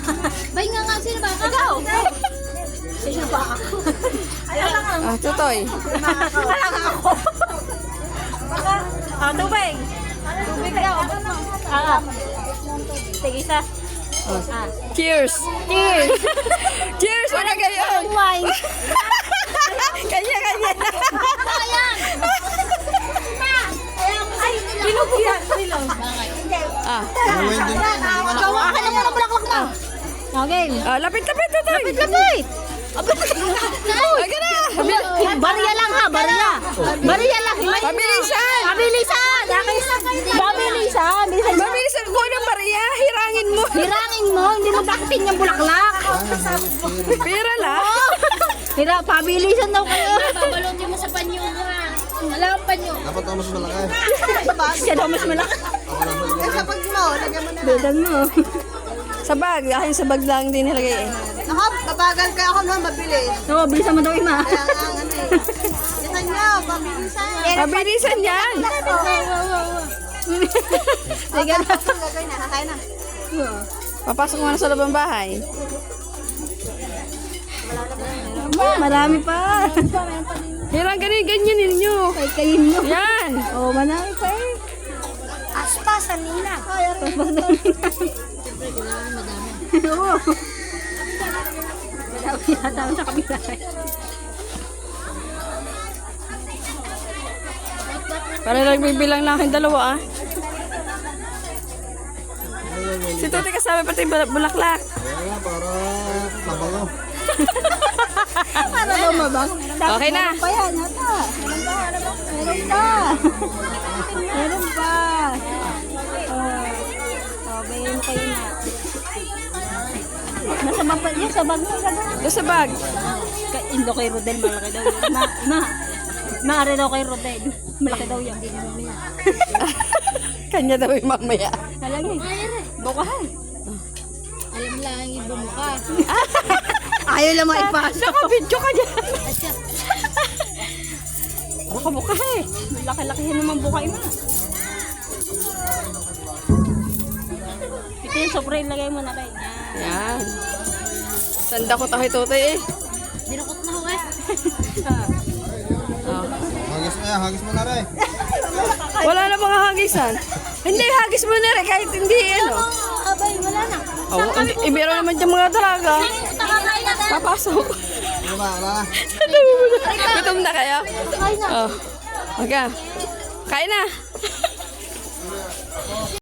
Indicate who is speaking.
Speaker 1: Bay nga, sino ba? Ikaw! Sino ba ako? Ayaw lang ako.
Speaker 2: Ah, tutoy.
Speaker 1: Wala nga ako. Tubig. Tubig daw. Sige, isa.
Speaker 2: Cheers!
Speaker 1: Cheers!
Speaker 2: Cheers! Wala gayon!
Speaker 1: Wine.
Speaker 2: Kanya!
Speaker 1: Ayan! Pinugyan.
Speaker 2: Ah,
Speaker 1: Gawa ka naman ang bulaklak mo. Okay.
Speaker 2: lapit, tutoy!
Speaker 1: Lapit!
Speaker 2: Aga na!
Speaker 1: Bariya lang ha, bariya. Bariya lang.
Speaker 2: Pabilisan!
Speaker 1: Pabilisan. Pabilisan.
Speaker 2: Pabilisan ko ng Maria! Hirangin mo!
Speaker 1: Hirangin mo, hindi mo dakitin yung bulaklak.
Speaker 2: Pira lang!
Speaker 1: Pabilisan daw kayo.
Speaker 3: Babalutin mo sa panyo ha. Wala kang panyo.
Speaker 4: Dapat ako mas malaki.
Speaker 1: Siya daw mas malaki. Bilan mo.
Speaker 2: Sa bag. Akin sa bag lang din nilagay eh.
Speaker 5: Ako, babagal ka ako na mabilis.
Speaker 1: Oo, bilisan mo daw ima.
Speaker 5: Kaya nga ang ano eh. Yan nyo, pabilisan.
Speaker 2: Pabilisan yan!
Speaker 1: Sige na.
Speaker 5: Gagawin na, kakain na.
Speaker 2: Papasok mo na sa loob ng bahay.
Speaker 1: Marami pa.
Speaker 2: Hirang ganyan ninyo.
Speaker 1: Ay, kayin mo.
Speaker 2: Yan!
Speaker 1: Oo, marami pa eh.
Speaker 5: Aspa sa nina.
Speaker 1: Oo. Marami yata sa kabila.
Speaker 2: Para nagbibilang na aking dalawa ah. Si Tuti kasama pati bulaklak.
Speaker 4: Kaya para mabango.
Speaker 1: Para daw mabang.
Speaker 2: Okay na.
Speaker 1: Meron pa yan, yata. Meron pa. Meron pa. Bayan kayo na. Nasa bag pa yun, sa bag mo.
Speaker 2: Doon sa bag.
Speaker 1: Indo kay Rodel, malaki daw yun. Maari daw kay Rodel. Malaki daw yan.
Speaker 2: Kanya daw yung mamaya.
Speaker 1: Halagi. Bukahan.
Speaker 3: Alam lang yung bumuka.
Speaker 1: Ayaw lang maipasok.
Speaker 2: Nakabidyo ka dyan.
Speaker 3: Asya.
Speaker 2: Baka buka eh.
Speaker 1: Laki-lakihin naman bukay mo. Ito yung sobrang lagay mo na kayo.
Speaker 2: Yan. Sanda ko tayo Tuti eh.
Speaker 3: Dinukot na ako eh.
Speaker 2: Oh.
Speaker 4: Hagis mo na rin.
Speaker 2: Wala na mga hagisan. Hindi, hagis mo na rin kahit hindi ano.
Speaker 3: Abay, wala na.
Speaker 2: Oh, ibiro naman dyan mga dalaga.
Speaker 3: Nakakain na tayo.
Speaker 2: Papasok.
Speaker 4: Ano ba? Wala na.
Speaker 2: Gutom na kayo?
Speaker 3: Kain na.
Speaker 2: Oh. Okay. Kain na.